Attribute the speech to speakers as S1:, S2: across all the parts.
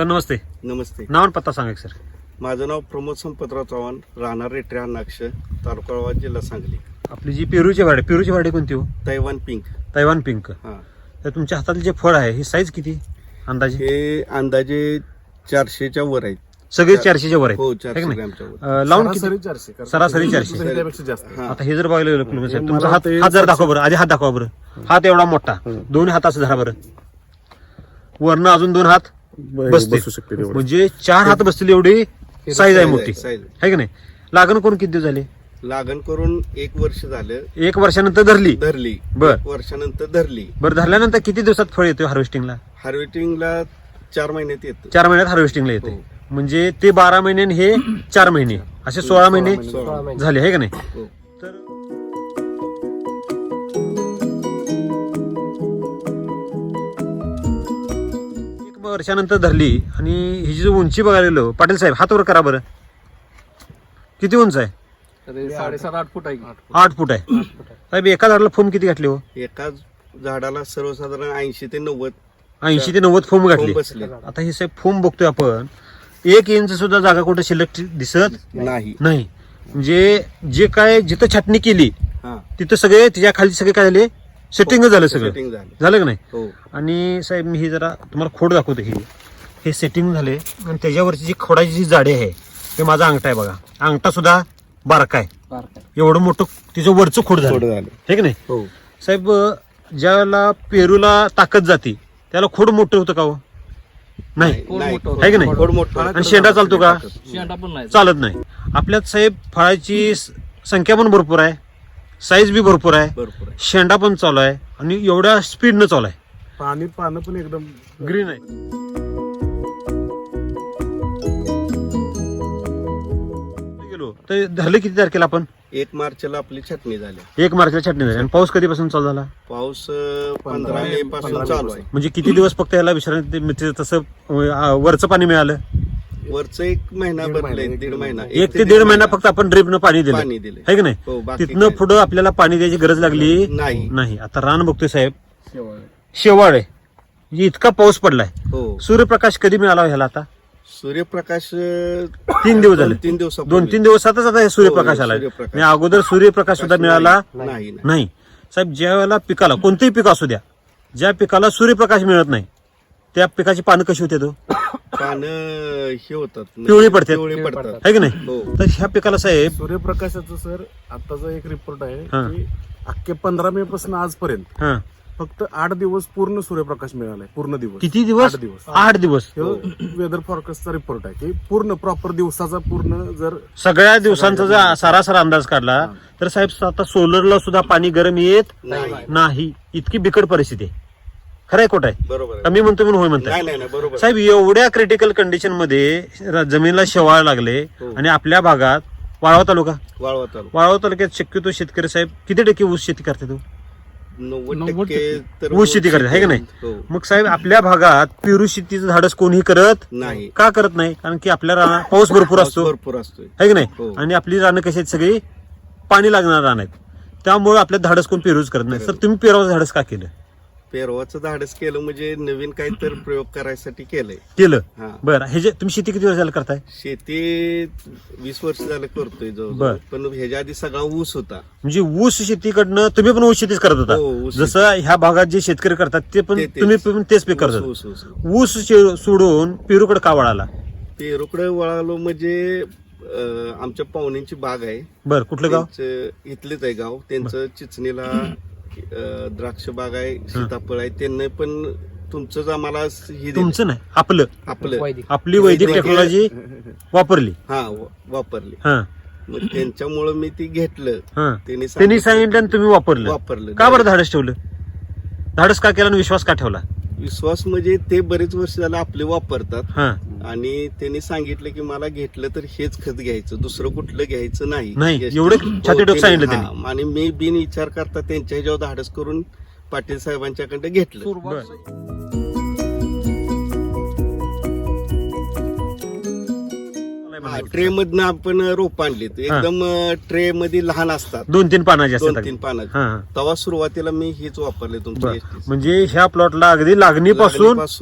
S1: Sir नमस्ते.
S2: नमस्ते.
S1: नाव आणि पत्ता सांगा एक सर.
S2: माझं नाव प्रमोद संपतराव चव्हाण, राहणार रेटऱ्या नाक्ष, तालुका वाळवा, जिल्हा सांगली.
S1: आपली जी पेरूची वाढी कोणती हो?
S2: Taiwan pink.
S1: Taiwan pink.
S2: हा,
S1: तर तुमच्या हातातले जे फळ आहे ही साईज किती अंदाजे?
S2: हे अंदाजे 400च्या वर आहेत.
S1: सगळे 400च्या वर
S2: हो,
S1: आहेत है
S2: 400
S1: की नाही?
S2: ग्रॅमच्या वर.
S1: लावून किती? सरासरी 400.
S3: त्यापेक्षा जास्त.
S2: हा.
S1: आता हे जर बघायला गेलं
S3: हे
S1: तुमचा
S3: मला
S1: हात
S3: ते
S1: हात जर दाखवा बरं, आधी हात दाखवा बरं. हात एवढा मोठा, दोन्ही हात असं धरा बरं. वरनं अजून 2 हात बसते,
S3: बसू शकते तेवढं.
S1: म्हणजे 4 हात बसतील एवढी साईज आहे मोठी,
S2: साईज.
S1: है की नाही? लागण करून किती दिवस झाले?
S2: लागण करून 1 वर्ष झालं.
S1: 1 वर्षानंतर धरली.
S2: धरली.
S1: बर.
S2: 1 वर्षानंतर धरली.
S1: बरं, धरल्यानंतर किती दिवसात फळ येतो हार्वेस्टिंगला?
S2: हार्वेस्टिंगला 4 महिन्यात येतं.
S1: 4 महिन्यात हार्वेस्टिंगला येते.
S2: हो.
S1: म्हणजे ते 12 महिने आणि हे 4 महिने असे 16 महिने
S2: 16 महिने.
S1: झाले, है का नाही?
S2: हो.
S1: तर एक वर्षानंतर धरली आणि ही जी उंची बघायला गेलो, पाटील साहेब हात वर करा बरं. किती उंच आहे?
S3: 7.5-8 फूट आहे.
S1: 8 फूट आहे. साहेब एका झाडाला फोम किती घातली हो?
S2: एका झाडाला सर्वसाधारण 80 ते 90
S1: 80 ते 90 फोम घातली.
S2: बसले.
S1: आता हे साहेब फोम बघतोय आपण, 1 इंच सुद्धा जागा कुठे शिल्लक दिसत
S2: नाही.
S1: नाही. म्हणजे जे काय जिथं छाटणी केली
S2: हा,
S1: तिथं सगळे त्याच्या खाली सगळे काय झाले, सेटिंग झालं सगळं.
S2: सेटिंग झालं.
S1: झालं का नाही?
S2: हो.
S1: आणि साहेब मी ही जरा तुम्हाला खोड दाखवतो. हे सेटिंग झाले आणि त्याच्यावरची जी खोडाची जी जाडी आहे ते माझा अंगठा आहे बघा. अंगठा सुद्धा बारका आहे. एवढं मोठं तिचं वरचं खोड झालं,
S2: थोडं झालं.
S1: हे की नाही
S2: हो.
S1: साहेब? ज्याला पेरूला ताकद जाते त्याला खोड मोठं होतं का हो? नाही,
S2: नाही.
S1: आहे की नाही?
S2: खोड मोठं.
S1: आणि शेंडा चालतो का?
S3: शेंडा पण नाही.
S1: चालत नाही. आपल्यात साहेब फळाची संख्या पण भरपूर आहे, साईज बी भरपूर आहे,
S2: भरपूर आहे.
S1: शेंडा पण चालू आहे आणि एवढ्या स्पीडनं चालू आहे.
S3: पानं पण एकदम
S1: ग्रीन आहे. गेलो तर धरले किती तारखेला आपण?
S2: 1 मार्चला आपली छाटणी झाली.
S1: 1 मार्चला छाटणी झाली. आणि पाऊस कधीपासून चालू झाला?
S2: पाऊस 15 मे पासून चालू आहे.
S1: म्हणजे किती दिवस फक्त याला विश्रांती मिळते, तसं वरचं पाणी मिळालं?
S2: वरचं 1 महिना भरलंय, 1.5 महिना.
S1: 1 ते 1.5 महिना फक्त आपण ड्रिपनं पाणी दिलं,
S2: पाणी दिले.
S1: है की नाही?
S2: हो, बाकी
S1: तिथनं
S2: काय.
S1: पुढं आपल्याला पाणी द्यायची गरज लागली
S2: नाही.
S1: नाही. आता रान बघतोय साहेब, शेवाळ आहे. म्हणजे इतका पाऊस पडलाय.
S2: हो.
S1: सूर्यप्रकाश कधी मिळाला ह्याला? आता
S2: सूर्यप्रकाश
S1: 3 दिवस झाले.
S2: 2-3 दिवसापूर्वी.
S1: 2-3 दिवसातच आता हे सूर्यप्रकाश
S2: हो,
S1: आलाय.
S2: सूर्यप्रकाश.
S1: आणि अगोदर सूर्यप्रकाश सुद्धा मिळाला
S2: नाही.
S1: नाही. साहेब, ज्या वेळेला पिकाला, कोणतेही पीक असू द्या, ज्या पिकाला सूर्यप्रकाश मिळत नाही त्या पिकाची पानं कशी होते?
S2: पानं हे होतात,
S1: पिवळी पडतात.
S2: पिवळी पडतात.
S1: है की नाही?
S2: हो.
S1: तर ह्या पिकाला साहेब
S3: सूर्यप्रकाशाचं सर आताचा एक रिपोर्ट आहे
S1: हा.
S3: की अख्खे 15 मे पासून आजपर्यंत
S1: हा
S3: फक्त 8 दिवस पूर्ण सूर्यप्रकाश मिळालाय. पूर्ण दिवस.
S1: किती दिवस?
S3: 8 दिवस.
S1: 8 दिवस.
S3: वेदर फॉरकास्टचा रिपोर्ट आहे की पूर्ण प्रॉपर दिवसाचा पूर्ण जर
S1: सगळ्या दिवसांचा जर सरासर अंदाज काढला तर साहेब आता सोलरला सुद्धा पाणी गरम येत नाही. इतकी बिकट परिस्थिती आहे. खरंय खोट आहे?
S2: बरोबर आहे.
S1: मी म्हणतो म्हणून होय म्हणताय
S2: नाही, बरोबर.
S1: साहेब? एवढ्या क्रिटिकल कंडिशन मध्ये जमिनीला शेवाळ लागले.
S2: हो.
S1: आणि आपल्या भागात वाळवा तालुका,
S2: वाळवा तालुका
S1: वाळवा तालुक्यात शक्यतो शेतकरी साहेब किती टक्के ऊस शेती करते? तो
S2: 90% तर
S1: ऊस शेती करते, है की नाही?
S2: हो.
S1: मग साहेब आपल्या भागात पेरू शेतीचं धाडस कोणीही करत
S2: नाही.
S1: का करत नाही? कारण की आपल्या रानात पाऊस भरपूर असतो,
S2: भरपूर असतोय.
S1: है की नाही?
S2: हो.
S1: आणि आपली रानं कशी आहेत? सगळी पाणी लागणार रान आहेत. त्यामुळे आपल्या धाडस कोण पेरूच करत नाही. तर तुम्ही पेराचं धाडस का केलं?
S2: पेरवाचं धाडस केलं म्हणजे नवीन काहीतरी प्रयोग करायसाठी केलंय.
S1: केलं.
S2: हा.
S1: बरं, हे जे तुम्ही शेती किती वर्ष झालं करताय?
S2: शेती 20 वर्ष झालं करतोय
S1: बर.
S2: जवळ. पण ह्याच्या आधी सगळा ऊस होता.
S1: म्हणजे ऊस शेतीकडनं तुम्ही पण ऊस शेतीच करत होता?
S2: हो, ऊस
S1: जसं ह्या भागात जे शेतकरी करतात ते पण
S2: तेच.
S1: तुम्ही पण तेच पीक करत
S2: ऊस, ऊस.
S1: ऊस सोडून पेरूकडे का वळाला?
S2: पेरूकडे वळालो म्हणजे आमच्या पाहुण्यांची बाग आहे.
S1: बरं, कुठलं गाव?
S2: त्यांचं इथलेच आहे गाव. त्यांचं चिचणीला द्राक्ष बाग आहे, सीताफळ आहे. त्यांना पण तुमचंच आम्हाला हे दिलं.
S1: तुमचं नाही, आपलं,
S2: आपलं
S1: आपली वैदिक टेक्नॉलॉजी वापरली.
S2: वापरली.
S1: हा
S2: मग त्यांच्यामुळं मी ती घेतलं.
S1: हा
S2: त्यांनी
S1: त्यांनी सांगितलं आणि तुम्ही वापरलं. का बरं धाडस ठेवलं? धाडस का केला आणि विश्वास का ठेवला?
S2: विश्वास म्हणजे ते बरेच वर्ष झालं आपले वापरतात.
S1: हा
S2: आणि त्यांनी सांगितलं की मला घेतलं तर हेच खत घ्यायचं, दुसरं कुठलं घ्यायचं नाही.
S1: नाही, एवढं छातीडोक सांगितलं त्यांनी.
S2: आणि मी बिन विचार करता त्यांच्या ह्याच्यावर धाडस करून पाटील साहेबांच्याकडे घेतलं. ट्रे मधनं आपण रोप आणली. एकदम ट्रे मध्ये लहान असतात,
S1: 2-3 पानाचे असतात.
S2: 2-3 पानाचे.
S1: हा.
S2: तेव्हा सुरुवातीला मी हेच वापरले तुमचे.
S1: म्हणजे ह्या प्लॉटला अगदी लागणीपासून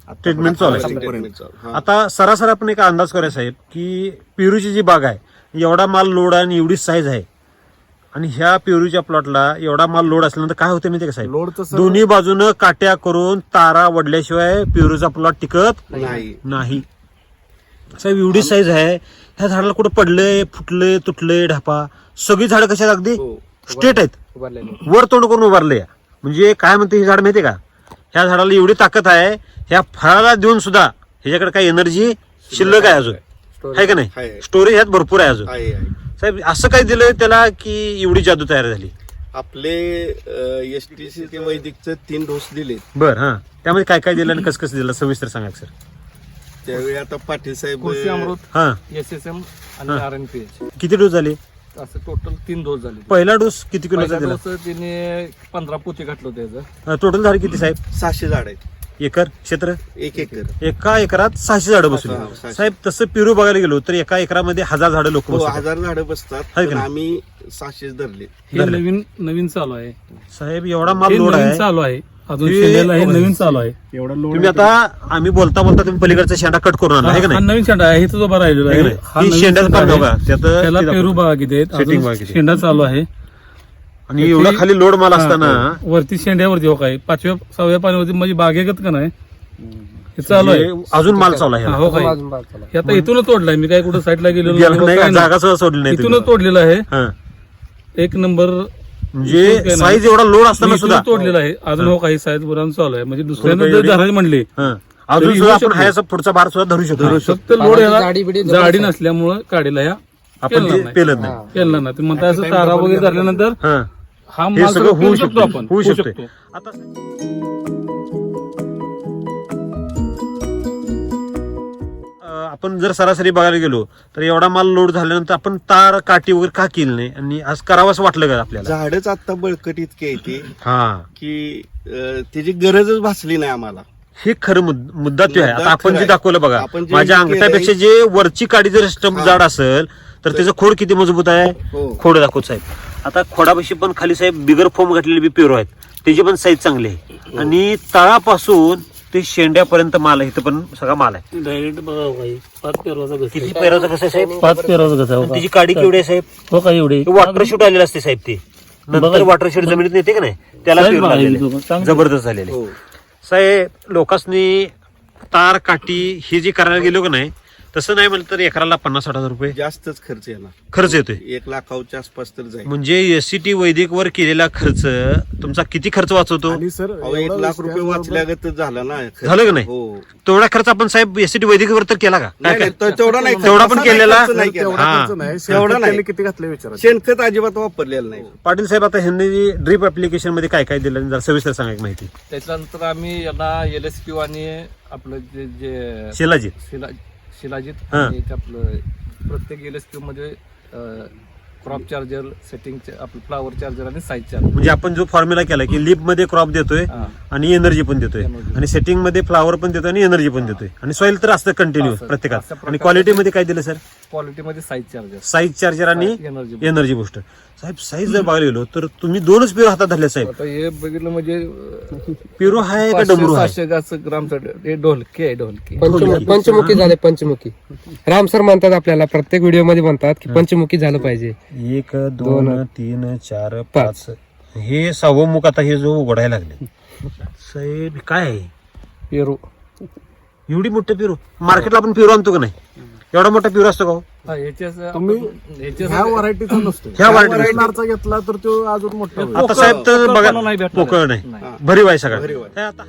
S1: ट्रीटमेंट चालू आहे.
S2: ट्रीटमेंट चालू. हा.
S1: आता सरासरी आपण एक अंदाज करूया साहेब की पेरूची जी बाग आहे एवढा माल लोड आहे आणि एवढी साईज आहे आणि ह्या पेरूच्या प्लॉटला एवढा माल लोड असल्यानंतर काय होते माहिती का साहेब,
S3: लोड तर
S1: दोन्ही बाजूनं काट्या करून तारा वडल्याशिवाय पेरूचा प्लॉट टिकत नाही. साहेब एवढी साईज आहे, ह्या झाडाला कुठं पडले फुटले तुटले ढापा सगळी झाडं कशा अगदी स्ट्रेट आहेत, वर तोंड करून उभारले. म्हणजे काय म्हणते हे झाड माहितीये का, ह्या झाडाला एवढी ताकद आहे, ह्या फळाला देऊन सुद्धा ह्याच्याकडे काही एनर्जी शिल्लक आहे अजून, आहे का नाही,
S2: आहे.
S1: स्टोरेज ह्यात भरपूर आहे अजून.
S2: आहे.
S1: साहेब असं काय दिलं त्याला की एवढी जादू तयार झाली.
S2: आपले एसटीसी ते वैदिकचे 3 डोस दिले.
S1: बर हा, त्यामध्ये काय काय दिलं आणि कसं कसं दिलं सविस्तर सांगा सर.
S2: त्यावेळी आता पाटील साहेब
S4: कृषी अमृत,
S1: हा
S4: एसएसएम आणि RNPH
S1: किती डोस झाले,
S4: असं टोटल 3 डोस झाले.
S1: पहिला डोस किती किलोचा
S4: पहिला
S1: दिला,
S4: डोस तिने 15 पोते घातलं होतं त्याचं.
S1: टोटल झाड किती साहेब,
S2: 600 झाड आहेत,
S1: एकर क्षेत्र,
S2: 1 एकर.
S1: एका एकरात 600 झाडं बसवली.
S2: 600.
S1: साहेब तसं पेरू बघायला गेलो तर एका एकरामध्ये 1000 झाडं लोक
S2: हो,
S1: बसवतात.
S2: 1000 झाडं बसतात,
S1: आहे का
S2: पण
S1: नाही?
S2: आम्ही 600 धरले.
S4: हे नवीन चालू आहे,
S1: साहेब एवढा माल
S4: हे
S1: लोड
S4: नवीन
S1: आहे.
S4: चालू आहे अजून
S1: हे-
S4: शेंड्याला हे नवीन चालू आहे.
S3: एवढा लोड
S1: तुम्ही आता आम्ही बोलता बोलता तुम्ही पलीकडचा शेंडा कट करून आणला आहे का
S4: हा
S1: नाही,
S4: नवीन शेंडा आहे, इथं उभा राहिलेला
S1: आहे का
S4: आहे.
S1: नाही?
S4: हा
S1: ही
S4: नवीन
S1: शेंड्याचं
S4: शेंडा
S1: पण
S4: आहे.
S1: बघा, त्यात
S4: त्याला
S1: ते दाखवतो.
S4: पेरू बागा किती आहेत,
S1: Setting
S4: अजून
S1: बागा किती आहेत.
S4: शेंडा चालू आहे.
S1: आणि एवढा खाली लोड माल असताना
S4: वरती शेंड्यावरती हो काय 5व्या 6व्या पाण्यावरती माझी बागेगत का नाही हे चालू आहे.
S1: म्हणजे अजून माल चालू आहे
S4: हा, हो काय हे आता इथूनच तोडलाय मी, काय कुठं साईडला गेलेलो
S1: गेलं
S4: नाही,
S1: नाही का,
S4: काय नाही.
S1: जागा सुद्धा सोडली नाही
S4: इथूनच
S1: तुम्ही.
S4: तोडलेलं आहे.
S1: हा.
S4: एक नंबर
S1: म्हणजे साईज एवढा लोड असताना
S4: इथूनच
S1: सुद्धा
S4: तोडलेला आहे. अजून हो काही साईज बुरान चालू आहे, म्हणजे दुसऱ्यांदा
S1: थोडं
S4: जर
S1: एवढी-
S4: धरायला म्हणले
S1: हा. अजून
S4: तरी
S1: सुद्धा
S4: येऊ
S1: आपण
S4: शकतो.
S1: हायचा पुढचा भार सुद्धा धरू शकतो.
S4: फक्त लोड याला जाडी नसल्यामुळं काढीला ह्या
S1: आपण ते पेलत नाही.
S4: केलं ना ते म्हणता असं तारा वगैरे धरल्यानंतर
S1: हा.
S4: हा
S1: हे
S4: माल
S1: सगळं होऊ
S4: शकतो आपण
S1: होऊ
S4: होऊ
S1: शकते. आता आपण जर सरासरी बघायला गेलो तर एवढा माल लोड झाल्यानंतर आपण तार काठी वगैरे का केली नाही आणि आज करावंच वाटलं का आपल्याला.
S2: झाडच आता बळकट इतके येते
S1: हा,
S2: की त्याची गरजच भासली नाही आम्हाला.
S1: हे खरं मुद्दा ते आहे.
S2: मुद्दा
S1: आता आपण
S2: खरा
S1: जे
S2: आहे.
S1: दाखवलं बघा,
S2: आपण जे
S1: माझ्या
S2: हे
S1: अंगठ्यापेक्षा
S2: केलंय-
S1: जे वरची काडी जर स्टंप
S2: हा.
S1: जाड असेल तर त्याचं खोड किती मजबूत आहे,
S2: हो.
S1: खोड दाखवत साहेब. आता खोडापाशी पण खाली साहेब बिगर फोम घातलेले बी पेरू आहेत, त्याची पण साईज चांगली आहे. आणि तळापासून ते शेंड्यापर्यंत माल आहे, इथं पण सगळा माल आहे.
S4: डायरेक्ट बघा काही 5 पेरवाचा
S1: किती पेराचं कसं आहे साहेब,
S4: 5 पेरवाचा कसा
S1: आणि त्याची काडी केवढी आहे साहेब,
S4: हो का एवढी
S1: वॉटर शूट आलेलं असते साहेब, ते नंतर वॉटर शूट जमिनीत येते का नाही त्याला
S4: साहेब,
S1: पेरू लागलेले.
S4: चांगलं.
S1: जबरदस्त झालेले
S2: हो.
S1: साहेब. लोकांनी तार काठी हे जे करायला गेलो का नाही तसं नाही म्हणलं तर एकराला 50-60 रुपये
S2: जास्तच खर्च येणार,
S1: खर्च येतोय.
S2: 1 लाखाच्या आसपास तर जाईल.
S1: म्हणजे एससीटी वैदिक वर केलेला खर्च तुमचा किती खर्च वाचवतो,
S3: आणि सर
S2: अहो, 1 लाख रुपये वाचल्यागत झाला ना खर्च.
S1: झालं का नाही?
S2: हो.
S1: तेवढा खर्च आपण साहेब एससीटी वैदिक वर तर केला का,
S2: नाही, नाही, तेवढा नाही,
S1: तेवढा पण
S2: तसा
S1: केलेला?
S2: खर्च नाही केला.
S3: तेवढा
S1: हा.
S3: खर्च नाही,
S2: तेवढा
S3: शेणखत
S2: नाही.
S3: त्यांनी किती घातलं विचारा.
S2: शेणखत अजिबात वापरलेलं नाही.
S1: पाटील साहेब आता ह्यांनी ड्रीप ऍप्लिकेशन मध्ये काय काय दिलं जरा सविस्तर सांगा एक माहिती.
S4: त्याच्यानंतर आम्ही याला LSQ आणि आपलं जे
S1: शिलाजी
S4: शिलाजीत
S1: हा.
S4: आणि ते आपलं प्रत्येक LSQ मध्ये क्रॉप चार्जर, सेटिंग आपलं फ्लावर चार्जर आणि साईज चार्जर.
S1: म्हणजे आपण जो फॉर्म्युला केला की लिप मध्ये क्रॉप देतोय
S4: हा.
S1: आणि एनर्जी पण देतोय
S4: Energy.
S1: आणि सेटिंग मध्ये फ्लावर पण देतोय आणि एनर्जी पण देतोय आणि सॉइल तर असतं कंटिन्यू
S4: असं.
S1: प्रत्येकात.
S4: अशा
S1: आणि
S4: प्रकारचं-
S1: क्वालिटी मध्ये काय दिलं सर,
S4: क्वालिटी मध्ये साईज चार्जर,
S1: साईज चार्जर आणि
S4: एनर्जी.
S1: Energy booster. साहेब साईज जर बघायला गेलो तर तुम्ही 2च पेरू हातात धरले साहेब.
S4: आता हे बघितलं म्हणजे
S1: पेरू आहे का डमरू आहे,
S4: 500 ग्रामचं हे ढोलकी आहे, ढोलकी.
S5: पंचमुखी झाले, पंचमुखी. राम सर म्हणतात आपल्याला प्रत्येक व्हिडिओ मध्ये म्हणतात की पंचमुखी झालं पाहिजे.
S1: 1 2 3 4 5 हे 6वं मुख आता हे जो उघडायला लागले साहेब. काय आहे
S4: पेरू
S1: एवढी मोठं पेरू, मार्केटला आपण पेरू आणतो का नाही, एवढा मोठा पेरू असतो का हो?
S4: हा, ह्याच्याच
S3: तुम्ही
S4: ह्याच्याच
S3: ह्या व्हरायटीचा नसतो,
S1: ह्या variety-
S3: नारचा घेतला तर तो अजून मोठा होईल.
S1: आता साहेब तर
S4: पोकळ
S1: बघा
S4: नाही भेटणार.
S1: पोकळ नाही,
S4: नाही.
S1: भरीव आहे सगळं.
S2: भरीव आहे.
S1: हे आता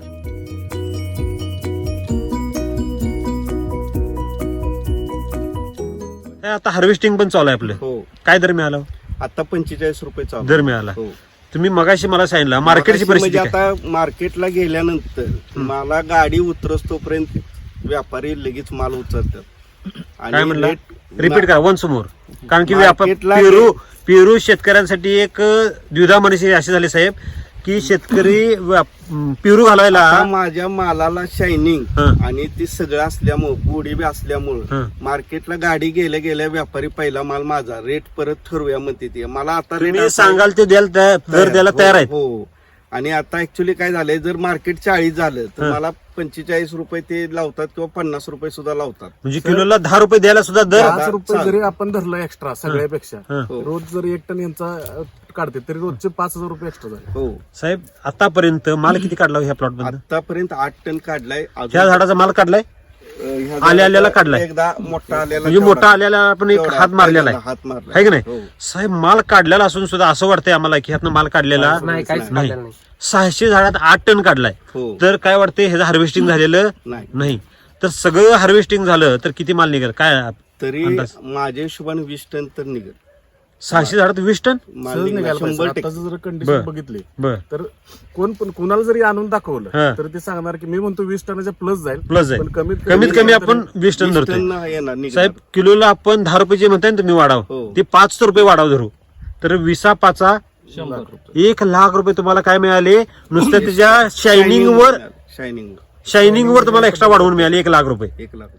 S1: हे आता हार्वेस्टिंग पण चालू आहे आपलं.
S2: हो.
S1: काय दर मिळाला,
S2: आता 45 रुपये चालू.
S1: दर मिळाला.
S2: हो.
S1: तुम्ही मगाशी मला सांगितलं मार्केटची
S2: म्हणजे
S1: परिस्थिती काय?
S2: आता मार्केटला गेल्यानंतर मला गाडी उतरस तोपर्यंत व्यापारी लगेच माल उचलतात.
S1: काय म्हणला,
S2: rate-
S1: रिपीट करा वन्स मोर. कारण की
S2: मार्केटला-
S1: पेरू शेतकऱ्यांसाठी एक द्विधा मनीषी अशी झाली साहेब की शेतकरी पेरू घालायला
S2: आता माझ्या मालाला शायनिंग
S1: हं.
S2: आणि ती सगळं असल्यामुळं पुढे बी असल्यामुळं
S1: हं.
S2: मार्केटला गाडी गेल्या गेल्या व्यापारी पहिला माल माझा रेट परत ठरवूया म्हणते ते मला आता
S1: तुम्ही
S2: rate असा-
S1: सांगाल ते द्यायला दर द्यायला तयार आहेत.
S2: हो आणि आता ऍक्च्युली काय झालंय, जर मार्केट 40 झालं तर मला 45 रुपये ते लावतात किंवा 50 रुपये सुद्धा लावतात.
S1: म्हणजे किलोला 10 रुपये द्यायला सुद्धा दर
S3: 5 रुपये जरी आपण धरलं एक्स्ट्रा सगळ्यापेक्षा,
S1: हं.
S3: रोज जरी 1 टन यांचा काढते तरी रोजचे 5,000 रुपये एक्स्ट्रा झाले.
S2: हो,
S1: साहेब आतापर्यंत माल किती काढला हो ह्या प्लॉट मध्ये?
S2: आतापर्यंत 8 टन काढलाय.
S1: ह्या झाडाचा माल काढलाय,
S2: ह्या
S1: आल्याला काढलाय.
S2: एकदा मोठा आलेला,
S1: म्हणजे मोठा आल्याला आपण एक हात मारलेला आहे,
S2: हात मारला
S1: आहे की नाही?
S2: हो.
S1: साहेब माल काढलेला असून सुद्धा असं वाटतंय आम्हाला की ह्यातनं माल काढलेला
S5: नाही काहीच
S1: नाही.
S5: काढलेलं नाही.
S1: 600 झाडात 8 टन काढलाय,
S2: हो.
S1: तर काय वाटतंय ह्याचं हार्वेस्टिंग झालेलं
S2: नाही.
S1: नाही. तर सगळं हार्वेस्टिंग झालं तर किती माल निघेल काय
S2: तरी
S1: अंदाज?
S2: माझ्या हिशोबाने 20 टन तर निघेल.
S1: 600 झाडात 20 टन?
S2: माल
S3: सहज
S2: निघेल,
S3: निघायला पाहिजे.
S2: 100%.
S3: आताचं जर
S1: बरं.
S3: कंडिशन बघितली
S1: बर
S3: तर कोणाला जरी आणून
S1: हा.
S3: दाखवलं तर ते सांगणार की मी म्हणतो 20 टनाच्या प्लस जाईल,
S1: प्लस जाईल.
S3: पण कमीत
S1: कमीत कमी आपण 20 टन
S2: 20
S1: धरतोय.
S2: टन येणार निघणार.
S1: साहेब किलोला आपण 10 रुपये जे म्हणताय ना तुम्ही वाढाव,
S2: हो.
S1: ते 5 रुपये वाढाव धरू, तर 20/5
S4: 100 रुपये.
S1: 1,00,000 रुपये तुम्हाला काय मिळाले? नुसत्या त्याच्या शायनिंग
S2: शायनिंग
S1: वर तुम्हाला एक्स्ट्रा वाढवून मिळाले 1,00,000 रुपये.
S2: 1 लाख.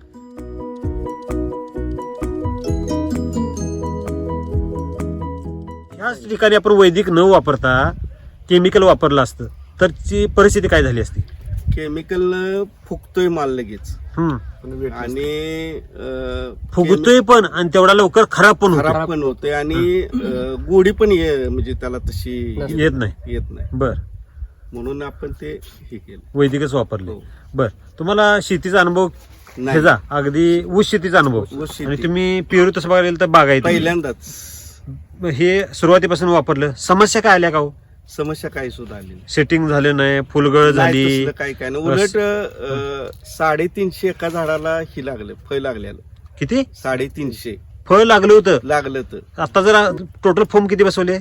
S1: ह्याच ठिकाणी आपण वैदिक न वापरता केमिकल वापरलं असतं तर ची परिस्थिती काय झाली असती?
S2: केमिकल फुगतोय माल लगेच
S1: हम्म.
S3: पण वेट
S2: आणि
S1: फुगतोय पण आणि तेवढा लवकर खराब पण होतो.
S2: खराब पण होतोय आणि गोडी पण म्हणजे त्याला तशी
S1: येत नाही.
S2: येत नाही.
S1: बर,
S2: म्हणून आपण ते हे केलं.
S1: वैदिकच वापरले.
S2: हो.
S1: बर, तुम्हाला शेतीचा अनुभव
S2: नाही.
S1: ह्याचा अगदी ऊस शेतीचा अनुभव,
S2: ऊस शेती.
S1: आणि तुम्ही पेरू तसं बघायला गेलं तर बागायती
S2: पहिल्यांदाच
S1: हे सुरुवातीपासून वापरलं. समस्या काय आल्या का हो?
S2: समस्या काही सुद्धा आली नाही.
S1: सेटिंग झालं नाही, फुलगळ झाली?
S2: नाही, तसलं काही काय नाही. उलट 350 एका झाडाला ही लागलं, फळ लागलेलं.
S1: किती
S2: 350
S1: फळ लागलं होतं?
S2: लागलं तर
S1: आता जर टोटल फॉर्म किती बसवले?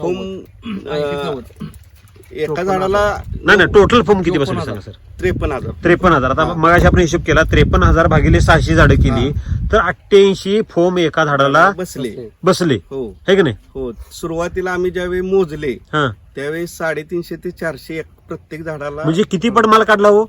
S2: एका झाडाला
S1: नाही टोटल फॉर्म किती बसवले सांगा सर?
S2: 53,000.
S1: 53,000. आता मगाशी आपण हिशोब केला, 53,000 भागिले 600 झाडं केली तर 88 फोम एका झाडाला
S2: बसले.
S1: बसले,
S2: हो
S1: है की नाही?
S2: हो. सुरुवातीला आम्ही ज्यावेळी मोजले
S1: हा,
S2: त्यावेळी 350 ते 400 प्रत्येक झाडाला.
S1: म्हणजे किती पट माल काढला हो?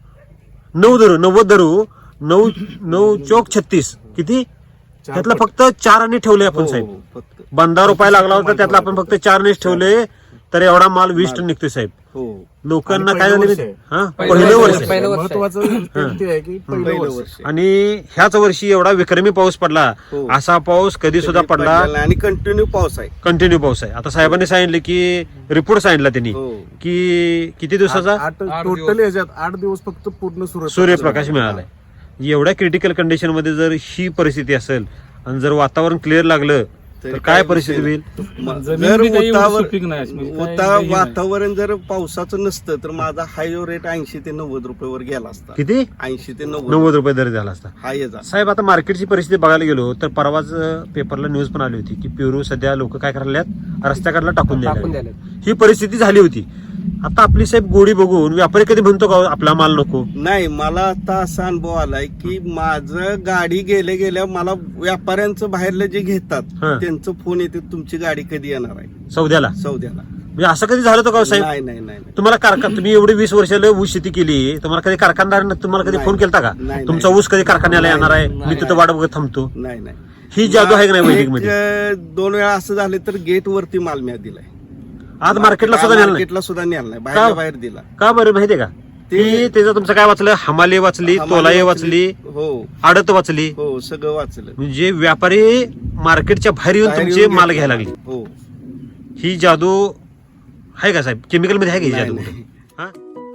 S1: 90 धरू, 9 चौक 36 किती? त्यातला फक्त 4 आणि ठेवले आपण
S2: हो,
S1: साहेब.
S2: हो, फक्त.
S1: 15 रुपये लागला होता, त्यातला आपण फक्त 4 ठेवले, तर एवढा माल 20 टन निघतोय साहेब.
S2: हो,
S1: लोकांना
S3: आणि
S1: काय
S3: पहिलं
S1: झालं
S3: वर्ष आहे.
S1: हा,
S5: पहिलं
S1: पहिलं
S5: वर्ष
S1: वर्ष
S5: आहे.
S1: आहे.
S5: पहिलं वर्ष आहे.
S3: महत्वाचं ते आहे की पहिलं
S2: पहिलं
S3: वर्ष.
S2: वर्ष.
S1: आणि ह्याच वर्षी एवढा विक्रमी पाऊस पडला,
S2: हो.
S1: असा पाऊस कधी सुद्धा पडला.
S2: पडलेला नाही आणि कंटिन्यू पाऊस आहे.
S1: कंटिन्यू पाऊस आहे. आता साहेबांनी सांगितले की रिपोर्ट सांगितला त्यांनी
S2: हो.
S1: की किती दिवसाचा
S3: 8 टोटल याच्यात 8 दिवस फक्त पूर्ण
S1: सूर्यप्रकाश मिळालाय. एवढ्या क्रिटिकल कंडिशन मध्ये जर ही परिस्थिती असेल आणि जर वातावरण क्लिअर लागलं तर काय परिस्थिती होईल?
S4: जमीन
S2: जर
S4: बी काही एवढी
S2: उतावर-
S4: सुपीक नाही अशी, म्हणजे काय
S2: उता
S4: हे नाही.
S2: वातावरण जर पावसाचं नसतं तर माझा हाय रेट 80 ते 90 रुपयावर गेला असता.
S1: किती?
S2: 80 ते 90
S1: 90 रुपये दर झाला असता.
S2: हाय जा.
S1: साहेब आता मार्केटची परिस्थिती बघायला गेलो तर परवाच पेपरला न्यूज पण आली होती की पेरू सध्या लोक काय करायला रस्त्याकडला टाकून
S5: टाकून
S1: द्यायला.
S5: द्यायला.
S1: ही परिस्थिती झाली होती. आता आपली साहेब गोडी बघून व्यापारी कधी म्हणतो का आपला माल नको?
S2: नाही, मला आता असा अनुभव आलाय की माझं गाडी गेल्या मला व्यापाऱ्यांचं बाहेरलं जे घेतात
S1: हा.
S2: त्यांचं फोन येते, तुमची गाडी कधी येणार आहे
S1: सौद्याला?
S2: सौद्याला.
S1: म्हणजे असं कधी झालं होतं का हो साहेब?
S2: नाही नाही नाही नाही.
S1: तुम्हाला कारखाना, तुम्ही एवढी 20 वर्षाला ऊस शेती केली, तुम्हाला कधी कारखानदार तुम्हाला कधी
S2: नाही.
S1: फोन केलता का?
S2: नाही,
S1: तुमचा
S2: नाही.
S1: ऊस कधी कारखान्याला
S2: नाही,
S1: येणार आहे,
S2: नाही,
S1: मी तिथं
S2: नाही.
S1: वाट बघत थांबतो?
S2: नाही नाही.
S1: ही जादू आहे का नाही वैदिक मध्ये?
S2: 2 वेळा असं झालं तर गेट वरती माल मी दिलाय.
S1: आज मार्केटला सुद्धा नेलं नाही.
S2: मार्केटला सुद्धा नेला नाही, बाहेरच्या बाहेर दिला.
S1: का बरं माहितीये का? ती त्याचं तुमचं काय वाचलं? हमाले वाचली, तोलाये वाचली,
S2: हो
S1: आडत वाचली.
S2: हो, सगळं वाचलं.
S1: म्हणजे व्यापारी मार्केटच्या बाहेर येऊन
S2: बाहेर
S1: तुमचे
S2: येऊन
S1: माल
S2: घेतलं.
S1: घ्यायला लागले.
S2: हो.
S1: ही जादू आहे का साहेब? केमिकल मध्ये आहे का ही
S2: नाही,
S1: जादू?
S2: नाही.
S1: हा?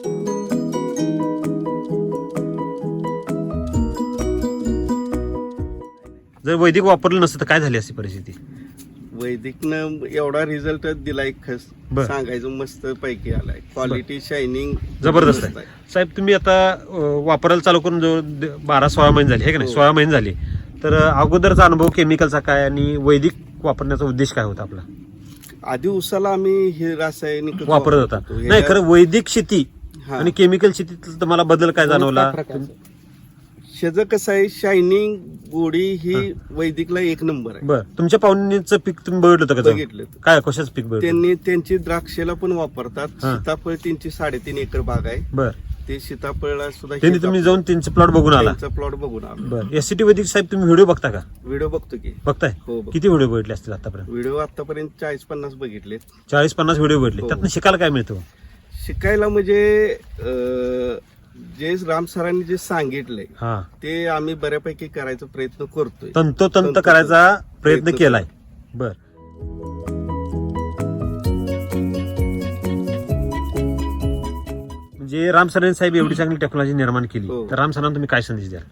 S1: जर वैदिक वापरलं नसतं तर काय झाली असती परिस्थिती?
S2: वैदिकनं एवढा रिझल्ट दिलाय,
S1: बर.
S2: सांगायचं मस्त पैकी आलाय. क्वालिटी शायनिंग
S1: जबरदस्त आहे. साहेब तुम्ही आता वापरायला चालू करून जो 12-16 महिने झाले, हे का नाही?
S2: हो.
S1: 16 महिने झाले, तर अगोदरचा अनुभव केमिकलचा काय आणि वैदिक वापरण्याचा उद्देश काय होता आपला?
S2: आधी उसाला आम्ही हे रासायनिक
S1: वापरत होता. नाही खरं वैदिक शेती
S2: हा.
S1: आणि केमिकल शेतीत तुम्हाला बदल काय जाणवला?
S5: काय फरक आहे?
S2: शेज कसं आहे, शायनिंग गोडी ही वैदिकला 1 नंबर आहे.
S1: बरं, तुमच्या पाहुण्यांचं पीक तुम्ही बघितलं होतं का जाऊन?
S2: बघितलं.
S1: काय कशाच पीक बघितलं?
S2: त्यांनी त्यांची द्राक्षेला पण वापरतात.
S1: हा.
S2: सीताफळ त्यांची 3.5 एकर बाग आहे.
S1: बर,
S2: ते सीताफळला सुद्धा
S1: त्यांनी तुम्ही जाऊन त्यांचे प्लॉट बघून आला?
S2: त्यांचा प्लॉट बघून आलो.
S1: बरं, एससीटी वैदिक साहेब तुम्ही व्हिडिओ बघता का?
S2: व्हिडिओ बघतो की.
S1: बघताय?
S2: हो, बघतो.
S1: किती व्हिडिओ बघितले असतील आतापर्यंत?
S2: व्हिडिओ आतापर्यंत 40-50 बघितलेत.
S1: 40-50 व्हिडिओ बघितले.
S2: हो.
S1: त्यातनं शिकायला काय मिळतं?
S2: शिकायला म्हणजे जे राम सरांनी जे सांगितलंय
S1: हा
S2: ते आम्ही बऱ्यापैकी करायचा प्रयत्न करतोय.
S1: तंतोतंत करायचा प्रयत्न केलाय. बर म्हणजे राम सरांनी साहेब एवढी चांगली टेक्नॉलॉजी निर्माण केली
S2: हो.
S1: तर राम सरांना तुम्ही काय संदेश द्याल?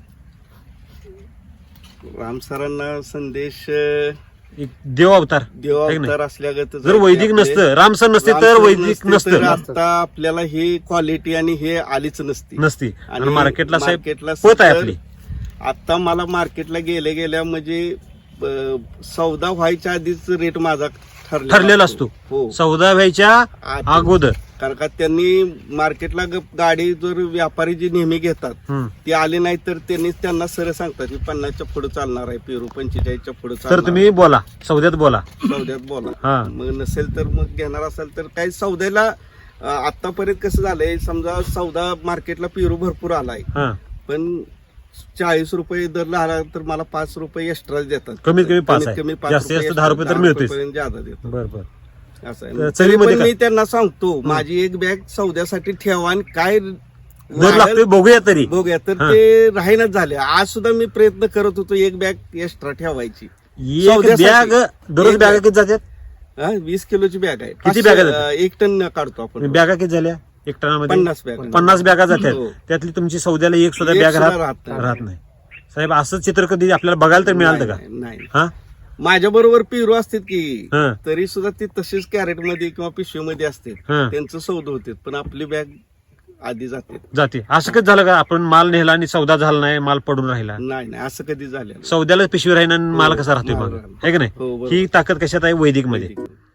S2: राम सरांना संदेश
S1: एक देव अवतार है की नाही?
S2: देवावतार असल्यागत
S1: जर वैदिक नसतं राम सर नसते तर वैदिक नसतं
S2: आता आपल्याला ही क्वालिटी आणि हे आलीच नसती.
S1: नसती आणि मार्केटला साहेब
S2: मार्केटला
S1: पत आहे
S2: सध्या-
S1: आपली.
S2: आता मला मार्केटला गेल्या म्हणजे सौदा व्हायच्या आधीच रेट माझा
S1: ठरलेला असतो.
S2: हो
S1: सौदा व्हायच्या अगोदर.
S2: कारण का त्यांनी मार्केटला गाडी जर व्यापारी जी नेहमी घेतात
S1: हम्म.
S2: ते आले नाही तर त्यांना सरळ सांगतात की 50च्या पुढे चालणार आहे पेरू, 45च्या पुढे
S1: तर
S2: चालणार
S1: तुम्ही बोला सौद्यात बोला.
S2: सौद्यात बोला.
S1: हा
S2: मग नसेल तर मग घेणार असेल तर काही सौद्याला आतापर्यंत कसं झालंय, समजा सौदा मार्केटला पेरू भरपूर आलाय
S1: हा
S2: पण 40 रुपये दर आला तर मला 5 रुपये एक्स्ट्रा देतात.
S1: कमीत कमी 5 आहे.
S2: कमी 5
S1: जास्तीत जास्त
S2: रुपये
S1: 10 रुपये तर
S2: extra,
S1: मिळतेच.
S2: 10 रुपयेपर्यंत ज्यादा देतात.
S1: बर बर
S2: असं
S1: तर
S2: आहे.
S1: चवीमध्ये
S2: पण
S1: काय?
S2: मी त्यांना सांगतो माझी एक बॅग सौद्यासाठी ठेवा आणि काय
S1: जर लागतोय बघूया तरी.
S2: बघूया तर ते राहीनच झाले. आज सुद्धा मी प्रयत्न करत होतो एक बॅग एक्स्ट्रा ठेवायची.
S1: एक
S2: सौद्यासाठी.
S1: बॅग दररोज
S2: एक
S1: बॅगा
S2: बॅग.
S1: किती जातात?
S2: 20 किलोची बॅग आहे.
S1: किती बॅगा जातात?
S2: 1 टन काढतो आपण.
S1: बॅगा किती झाल्या एक टनामध्ये?
S2: 50 बॅग.
S1: 50 बॅगा जातात.
S2: हो.
S1: त्यातली तुमची सौद्याला एक सुद्धा
S2: एक
S1: बॅग
S2: सुद्धा
S1: राहत
S2: राहत
S1: नाही. साहेब असं चित्र कधी आपल्याला बघायला तर मिळालं का?
S2: नाही.
S1: हा
S2: माझ्या बरोबर पेरू असतात की
S1: हा.
S2: तरी सुद्धा ते तसेच कॅरेट मध्ये किंवा पिशवीमध्ये असते.
S1: हा.
S2: त्यांचं सौद होते पण आपली बॅग आधी जाते.
S1: जाते. असं कधी झालं का आपण माल नेला आणि सौदा झाला नाही, माल पडून राहिला?
S2: नाही असं कधी झालं नाही.
S1: सौद्याला पिशवी राहीन आणि माल कसा राहतोय
S2: माल
S1: मग?
S2: राहिला.
S1: है की नाही?
S2: हो, बरोबर.
S1: ही ताकद कशात आहे? वैदिक मध्ये.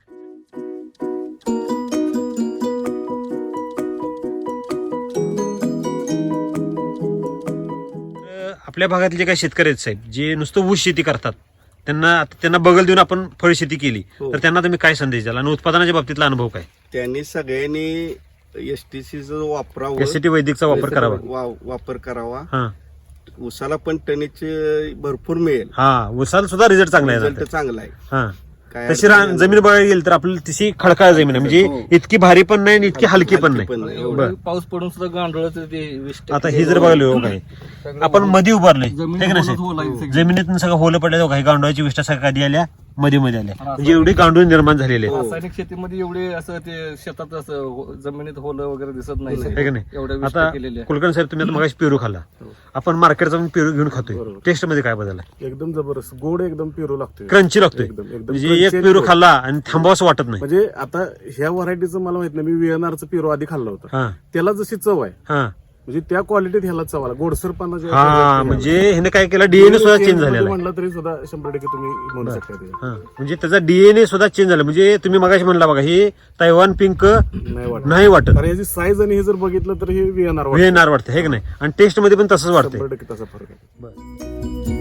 S1: आपल्या भागातले जे काही शेतकरी आहेत साहेब जे नुसतं ऊस शेती करतात त्यांना बगल देऊन आपण फळ शेती केली
S2: हो.
S1: तर त्यांना तुम्ही काय संदेश द्याल आणि उत्पादनाच्या बाबतीतला अनुभव काय?
S2: त्यांनी सगळ्यांनी एसटीसीचा वापरावं,
S1: एसटी वैदिकचा वापर करावा.
S2: वापर करावा.
S1: हा
S2: उसाला पण टनेचे भरपूर मिळेल.
S1: हा उसाला सुद्धा रिझल्ट चांगला आहे.
S2: रिझल्ट चांगला आहे.
S1: हा
S2: काय
S1: तशी
S2: अडचण नाही.
S1: जमीन बघायला गेली तर आपल्याला तशी खडकाळ जमीन आहे म्हणजे इतकी भारी पण नाही आणि इतकी हलकी पण नाही.
S2: पण नाही.
S1: बर.
S4: पाऊस पडून सुद्धा गांडोळाचं ते 20%
S1: आता हे जर बघायला काय आपण मध्ये उभारलोय
S4: जमिनीत
S1: हे का नाही
S4: होलच होल आहे
S1: साहेब?
S4: सगळी.
S1: जमिनीतून सगळं होलं पडलं काही गांडवाची विष्ठा सगळ्या कधी आल्या मध्ये आल्या म्हणजे एवढी गांडूळ निर्माण झालेली आहे.
S4: रासायनिक शेतीमध्ये एवढे असं ते शेतात असं जमिनीत होलं वगैरे दिसत नाही
S1: है का नाही?
S4: एवढ्या
S1: आता
S4: विष्ठा केलेल्या
S1: कुलकर्णी साहेब तुम्ही आता मगाशी पेरू खाल्ला, आपण मार्केटचा पेरू घेऊन खातोय, टेस्ट मध्ये काय बदल आहे?
S3: एकदम जबरदस्त गोड एकदम पेरू लागतोय.
S1: क्रंची लागतोय
S3: एकदम
S1: म्हणजे
S3: crunchy
S1: एक
S3: आणि
S1: पेरू
S3: गोड.
S1: खाल्ला आणि थांबावंसं वाटत नाही.
S3: म्हणजे आता ह्या व्हरायटीचं मला माहित नाही, मी व्हीएनआरचं पेरू आधी खाल्लं होतं.
S1: हा
S3: त्याला जशी चव आहे
S1: हा
S3: म्हणजे त्या क्वालिटीत ह्याला चव आला. गोडसरपणा जो आहे
S1: हा
S3: त्याच्यात
S1: म्हणजे ह्याने काय केलं डीएनए सुद्धा चेंज झालेला आहे.
S3: म्हणलं तरी सुद्धा 100% तुम्ही म्हणू शकता ते.
S1: हा म्हणजे त्याचा डीएनए सुद्धा चेंज झाला. म्हणजे तुम्ही मगाशी म्हणला बघा हे तैवान पिंक
S3: नाही वाटत.
S1: नाही वाटत,
S3: कारण याची साईज आणि हे जर बघितलं तर हे व्हीएनआर
S1: व्हीएनआर वाटतं हे की नाही? आणि टेस्ट मध्ये पण तसंच वाटतंय.
S3: 100% तसा फरक आहे.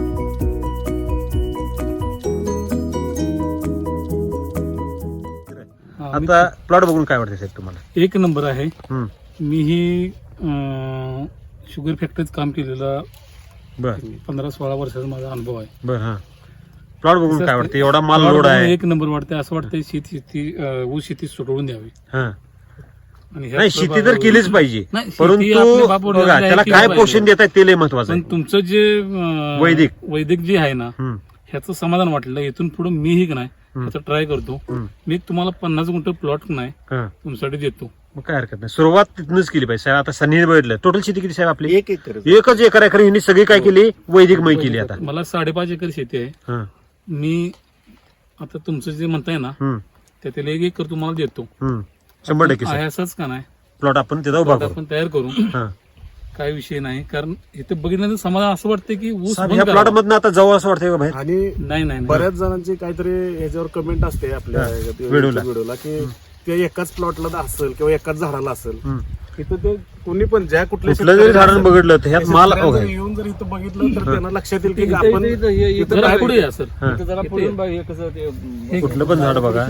S1: आता प्लॉट बघून काय वाटतं साहेब तुम्हाला?
S6: एक नंबर आहे.
S1: हम्म.
S6: मी ही शुगर फॅक्टरीत काम केलेला
S1: बर
S6: 15-16 वर्षाचा माझा अनुभव आहे.
S1: बर हा प्लॉट बघून काय वाटतं? एवढा माल लोड आहे.
S6: एक नंबर वाटते. असं वाटतंय शेती ऊस शेती सोडवून द्यावी.
S1: हा
S6: आणि ह्या
S1: नाही शेती तर केलीच पाहिजे
S6: नाही, शेती आपल्या
S1: परंतु
S6: बापावर
S1: बघा
S6: आहे,
S1: त्याला
S6: केलं
S1: काय
S6: पाहिजे.
S1: पोषण देत आहे ते लय महत्वाचं
S6: पण
S1: आहे.
S6: तुमचं जे
S1: वैदिक.
S6: जे आहे ना
S1: हम्म.
S6: ह्याचं समाधान वाटलं. इथून पुढे मीही का नाही ह्याचं ट्राय करतो.
S1: हम्म.
S6: मी तुम्हाला 50 गुंठ प्लॉट नाही
S1: हा.
S6: तुमच्यासाठी देतो.
S1: मग काय हरकत नाही, सुरुवात तिथूनच केली पाहिजे साहेब. आता सनी बघितलं टोटल शेती किती साहेब आपली?
S2: 1 एकर.
S1: एकच एकर आहे खरं, हिने सगळी काय केली? वैदिकमय केली आता.
S6: मला 5.5 एकर शेती आहे.
S1: हा.
S6: मी आता तुमचं जे म्हणताय ना
S1: हम्म.
S6: त्यातील 1 एकर तुम्हाला देतो.
S1: हम्म. 100%
S6: आहे
S1: साहेब
S6: असंच का नाही
S1: प्लॉट आपण तिथं उभा
S6: प्लॉट
S1: करू.
S6: आपण तयार करू.
S1: हा.
S6: काय विषय नाही. कारण इथे बघितल्यानंतर समाधान असं वाटतं की ऊस
S1: साहेब,
S6: बंद
S1: ह्या
S6: करावा.
S1: प्लॉट मधनं आता जवळ असं वाटतंय का बाहेर?
S3: आणि
S6: नाही नाही
S3: बऱ्याच जणांची काहीतरी ह्याच्यावर कमेंट असते आपल्या
S1: व्हिडिओला.
S3: व्हिडिओला की ते एकाच प्लॉटला असेल किंवा एकाच झाडाला असेल.
S1: हम्म.
S3: इथं ते कोणी पण ज्या कुठल्या
S1: कुठलं जरी
S3: शेतकऱ्याला
S1: झाडानं बघितलं तर ह्यात माल
S3: शेतकऱ्याला
S1: आहे.
S3: जर येऊन जर इथं बघितलं तर त्यांना लक्षात येईल की
S4: इथं-
S3: आपण
S4: इथं- इथं- हे-
S3: इथं
S6: जरा
S3: काय-
S6: पुढे या सर.
S1: हा.
S4: इथं जरा पुढून बघ, हे कसं ते
S1: कुठलं पण झाड बघा.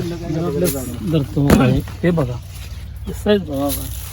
S6: हे बघा साईज बघा.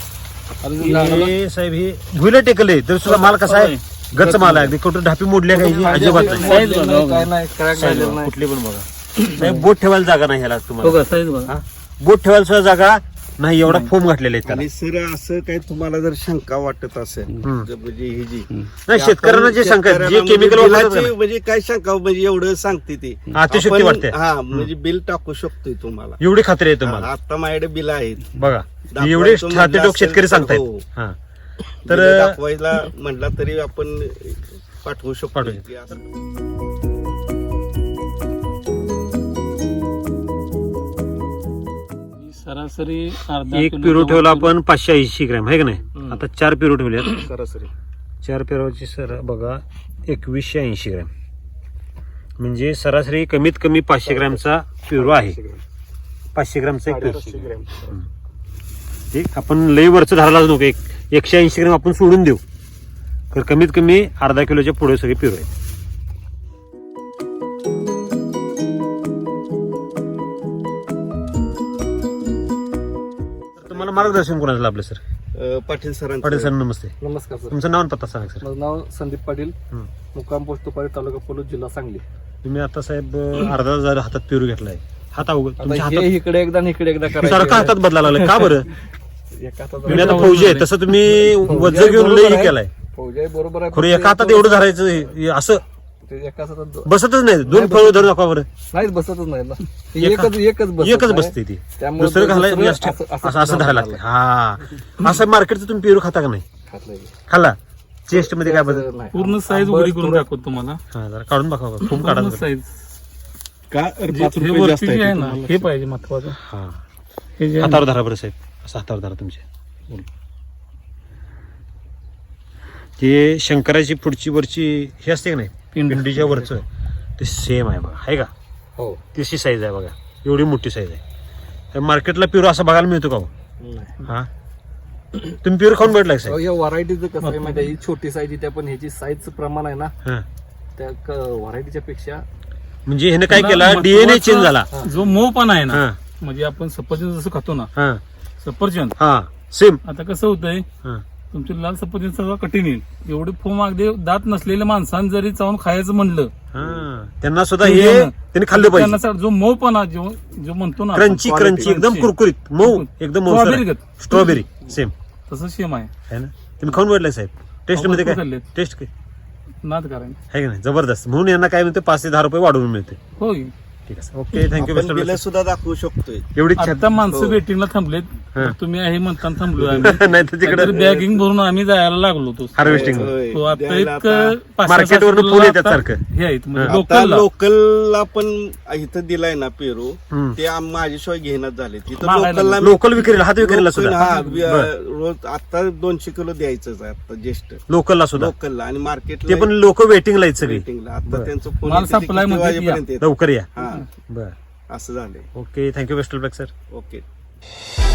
S1: हे साहेब हे भुईला टेकले तर सुद्धा माल कसा आहे? गच्च माल आहे. अगदी कुठं ढापी मोडल्या काही अजिबात नाही.
S6: साईज बघा.
S4: काय नाही क्रॅक
S1: साईज
S4: झालेलं
S1: बघा,
S4: नाही.
S1: कुठली पण बघा साहेब. बोट ठेवायला जागा नाही ह्याला तुम्हाला.
S6: बघा साईज बघा.
S1: हा? बोट ठेवायला सुद्धा जागा नाही एवढा फोम घातलेला आहे त्याला.
S2: आणि सर असं काही तुम्हाला जर शंका वाटत असेल
S1: हम्म.
S2: म्हणजे ही जी
S1: नाही शेतकऱ्यांना जे शंका आहे, जे
S2: शेतकऱ्यांना
S1: केमिकल
S2: म्हणजे
S1: वापरतात
S2: बिलाची म्हणजे काय शंका म्हणजे एवढं सांगते ती
S1: अतिशयोक्ती
S2: आपण-
S1: वाटते.
S2: हा म्हणजे बिल टाकू शकतोय तुम्हाला.
S1: एवढी खात्री आहे तुम्हाला.
S2: आता माझ्याकडे बिल आहेत
S1: बघा
S2: दाखवायचं
S1: एवढे
S2: म्हणलं
S1: छाती टोक
S2: असेल
S1: शेतकरी
S2: तर
S1: सांगतायत.
S2: हो.
S1: हा
S2: तर
S1: तर
S2: दाखवायला म्हटला तरी आपण पाठवू शकतो
S1: पाठवू
S2: की असं.
S6: सरासरी अर्धा
S1: एक
S6: किलो
S1: पिरो
S6: गव्हाचं
S1: ठेवला आपण 580 ग्रॅम आहे का नाही. आता 4 पिरो ठेवल्यात.
S3: सरासरी
S1: 4 पिरोची सर बघा 2180 ग्रॅम म्हणजे सरासरी कमीत कमी 500 ग्रॅमचा पिरो आहे. 500 ग्रॅमचा एक पिरो.
S3: 800 ग्रॅम.
S1: ठीक आपण लई वरचं धरायलाच नको. 180 ग्रॅम आपण सोडून देऊ तर कमीत कमी अर्धा किलोच्या पुढे सगळे पिरो आहेत. तुम्हाला मार्गदर्शन कोणाचं लाभलं सर?
S2: पाटील सरांचं
S1: पाटील सर नमस्ते.
S4: नमस्कार सर.
S1: तुमचं नाव आणि पत्ता सांगा सर.
S4: माझं नाव संदीप पाटील,
S1: हं.
S4: मुक्काम पोस्ट तुपारी, तालुका पलूस, जिल्हा सांगली.
S1: तुम्ही आता साहेब अर्धा हजार हातात पिरू घेतलाय. हात अवघड तुमच्या
S4: आता
S1: हातात
S4: हे इकडे एकदा आणि इकडे एकदा
S1: सारखा हातात बदलायला लागला का बरं?
S4: एका हातात
S1: तुम्ही आता फौजी आहे तसं तुम्ही वज्र घेऊन लई हे केलाय.
S4: फौजी आहे, बरोबर आहे.
S1: खरं एका हातात एवढं धरायचं हे असं
S4: ते एका हातात
S1: बसतच नाही. दोन फळ धरू नका बरं.
S4: नाहीच बसतच नाही ना. ते
S1: एका-
S4: एकच बसत
S1: एकच
S4: नाही.
S1: बसते ती.
S4: त्यामुळे
S1: दुसरं घालाय
S4: दुसरं
S1: असं धरायला लागते. हा असं मार्केटचं तुम्ही पेरू खाता का नाही?
S4: खात नाही.
S1: खाल्ला चेस्ट मध्ये काय बदल?
S4: नाही.
S6: पूर्ण साईज उघडी करून दाखवतो तुम्हाला.
S1: हा जरा काढून बघा खूप काढा
S6: पूर्ण
S1: जरा.
S6: साईज
S3: का
S6: हे
S3: 5 रुपये
S6: वरती
S3: जास्त
S6: जे आहे
S3: आहे
S6: ना हे पाहिजे महत्वाचं.
S1: हा
S6: हे जे आहे
S1: हातावर धरा बरं साहेब. असं हातावर धरा तुमच्या. ते शंकराची पुढची वरची हे असते का नाही
S6: पिंड.
S1: पिंडीच्या वरचं ते सेम आहे बघा आहे का?
S4: हो.
S1: तशी साईज आहे बघा. एवढी मोठी साईज आहे. तर मार्केटला पिरो असा बघायला मिळतो का हो?
S4: नाही.
S1: हा तुम्ही पिरो खाऊन भेटला का साहेब?
S4: या व्हरायटीचं कसं आहे माहिती आहे, ही छोटी साईज येते पण ह्याची साईजचं प्रमाण आहे ना
S1: हा
S4: त्या व्हरायटीच्या पेक्षा
S1: म्हणजे ह्याने काय केलं
S6: महत्वाचं-
S1: डीएनए चेंज झाला.
S6: जो मऊ पण आहे ना
S1: हा
S6: म्हणजे आपण सफरचंद जसं खातो ना
S1: हा
S6: सफरचंद,
S1: हा सेम.
S6: आता कसं होतंय
S1: हा
S6: तुमची लाल सफरचंद सगळं कठीण येईल. एवढे फोम अगदी दात नसलेल्या माणसानं जरी चावून खायचं म्हणलं
S1: हा त्यांना सुद्धा हे त्यांनी खाल्लं पाहिजे.
S6: त्यांना जो मऊपणा जो म्हणतो ना आपण,
S1: क्रंची क्रंची एकदम
S6: क्रंची.
S1: कुरकुरीत मऊ एकदम
S6: स्ट्रॉबेरी गत.
S1: स्ट्रॉबेरी सेम
S6: तसं सेम आहे.
S1: आहे ना. तुम्ही खाऊन भेटलाय साहेब? टेस्ट मध्ये
S6: भरपूर
S1: काय
S6: खाल्लेत.
S1: टेस्ट काय
S6: नाद करायला
S1: आहे का नाही? जबरदस्त. म्हणून यांना काय म्हणते 5 ते 10 रुपये वाढवून मिळते.
S6: होय.
S1: ठीक आहे ओके थँक्यू
S2: आपण बिल सुद्धा दाखवू शकतोय.
S1: एवढी
S6: आता माणसं
S2: हो.
S6: वेटिंगला थांबलेत.
S1: हा.
S6: तुम्ही आहे म्हणताना थांबलो आम्ही.
S1: नाही तर तिकडे
S6: बॅगिंग भरून आम्ही जायला लागलो होतो.
S1: हार्वेस्टिंग
S2: होय.
S6: तो आता
S2: द्यायला
S6: एक
S2: आता-
S1: Market वरनं फुल येतात सारखं.
S6: हे आहेत म्हणजे
S1: हा.
S2: आता
S6: लोकलला.
S2: लोकलला पण इथं दिलाय ना पेरू
S1: हम्म.
S2: ते माझ्याशिवाय घेण्यात झाले तिथं
S6: मागायला
S2: लोकलला
S1: लोकल विक्रीला हात विक्रीला
S2: लोकल,
S1: सुद्धा
S2: हा,
S1: बरं.
S2: रोज आता 200 किलो द्यायचंच आहे आता ज्येष्ठ
S1: लोकलला सुद्धा
S2: लोकलला आणि
S1: ते
S2: मार्केटला
S1: पण लोक वेटिंगला आहेत सगळी.
S2: वेटिंगला आता
S1: बरं.
S2: त्यांचं फोन
S6: माल
S2: येते ते
S6: संपलाय
S2: किती
S6: म्हणजे
S2: वाजेपर्यंत येतं.
S1: लवकर या.
S2: हा
S1: बर
S2: असं झालंय.
S1: Okay thank you best of luck sir.
S2: Okay